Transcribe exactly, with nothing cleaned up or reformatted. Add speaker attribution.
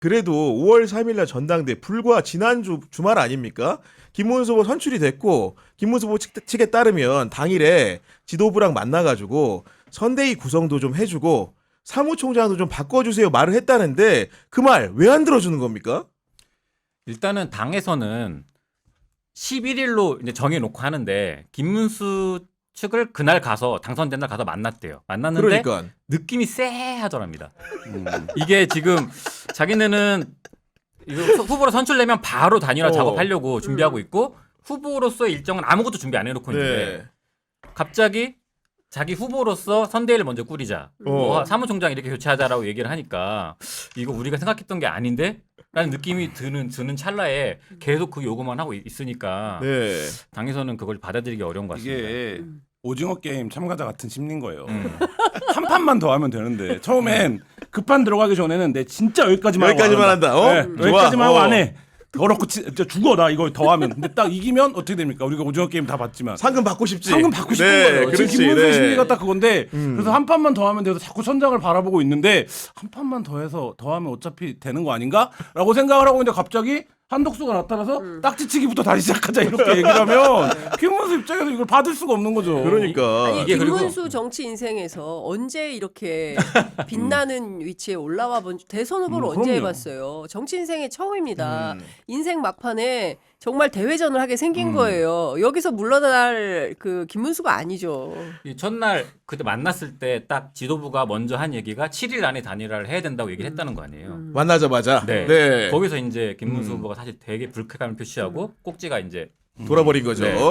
Speaker 1: 그래도 오월 삼일날 전당대 불과 지난주 주말 아닙니까? 김문수 후보 선출이 됐고 김문수 후보 측, 측에 따르면 당일에 지도부랑 만나가지고 선대위 구성도 좀 해주고 사무총장도 좀 바꿔주세요 말을 했다는데 그 말 왜 안 들어주는 겁니까?
Speaker 2: 일단은 당에서는 십일일로 이제 정해놓고 하는데 김문수 측을 그날 가서 당선된 날 가서 만났대요. 만났는데
Speaker 1: 그러니까
Speaker 2: 느낌이 쎄하더랍니다. 음. 이게 지금 자기네는 이거 후보로 선출되면 바로 단일화
Speaker 1: 어.
Speaker 2: 작업하려고 준비하고
Speaker 3: 음.
Speaker 2: 있고 후보로서의 일정은 아무것도 준비 안 해놓고 있는데
Speaker 1: 네.
Speaker 2: 갑자기 자기 후보로서 선대위를 먼저 꾸리자.
Speaker 1: 어.
Speaker 2: 뭐 사무총장 이렇게 교체하자라고 얘기를 하니까 이거 우리가 생각했던 게 아닌데? 라는 느낌이 드는 드는 찰나에 계속 그 요구만 하고 있으니까
Speaker 1: 네.
Speaker 2: 당에서는 그걸 받아들이기 어려운 것 같습니다.
Speaker 4: 이게 오징어 게임 참가자 같은 심리인 거예요.
Speaker 2: 음.
Speaker 4: 한 판만 더 하면 되는데 처음엔 그 판 들어가기 전에는 내 진짜 여기까지만 하고
Speaker 1: 여기까지만
Speaker 4: 안
Speaker 1: 한다. 어?
Speaker 4: 네,
Speaker 1: 좋아.
Speaker 4: 여기까지만 하고
Speaker 1: 어.
Speaker 4: 안 해. 더럽고 치, 진짜 죽어 나 이거 더 하면. 근데 딱 이기면 어떻게 됩니까? 우리가 오징어 게임 다 봤지만
Speaker 1: 상금 받고 싶지.
Speaker 4: 상금 받고 싶은
Speaker 1: 네,
Speaker 4: 거예요.
Speaker 1: 그렇지.
Speaker 4: 지금 김문수
Speaker 1: 네.
Speaker 4: 심리가 딱 그건데
Speaker 1: 음.
Speaker 4: 그래서 한 판만 더 하면 돼서 자꾸 천장을 바라보고 있는데 한 판만 더 해서 더 하면 어차피 되는 거 아닌가?라고 생각을 하고 있는데 갑자기 한독수가 나타나서
Speaker 3: 음.
Speaker 4: 딱지치기부터 다시 시작하자 이렇게 얘기를 하면 김문수 입장에서 이걸 받을 수가 없는 거죠.
Speaker 1: 그러니까
Speaker 3: 아니
Speaker 2: 이게 그리고-
Speaker 3: 김문수 정치 인생에서 언제 이렇게 빛나는 위치에 올라와 본 대선 후보를
Speaker 4: 음,
Speaker 3: 언제
Speaker 4: 그럼요.
Speaker 3: 해봤어요. 정치 인생의 처음입니다.
Speaker 1: 음.
Speaker 3: 인생 막판에 정말 대회전을 하게 생긴
Speaker 4: 음.
Speaker 3: 거예요. 여기서 물러날 그 김문수가 아니죠.
Speaker 2: 이 첫날 그때 만났을 때 딱 지도부가 먼저 한 얘기가 칠일 안에 단일화를 해야 된다고 얘기를 했다는 거 아니에요.
Speaker 3: 음.
Speaker 1: 만나자마자
Speaker 2: 네.
Speaker 1: 네.
Speaker 2: 거기서 이제 김문수
Speaker 1: 음.
Speaker 2: 후보가 사실 되게 불쾌감을 표시하고 꼭지가 이제
Speaker 1: 돌아버린 거죠.
Speaker 2: 네.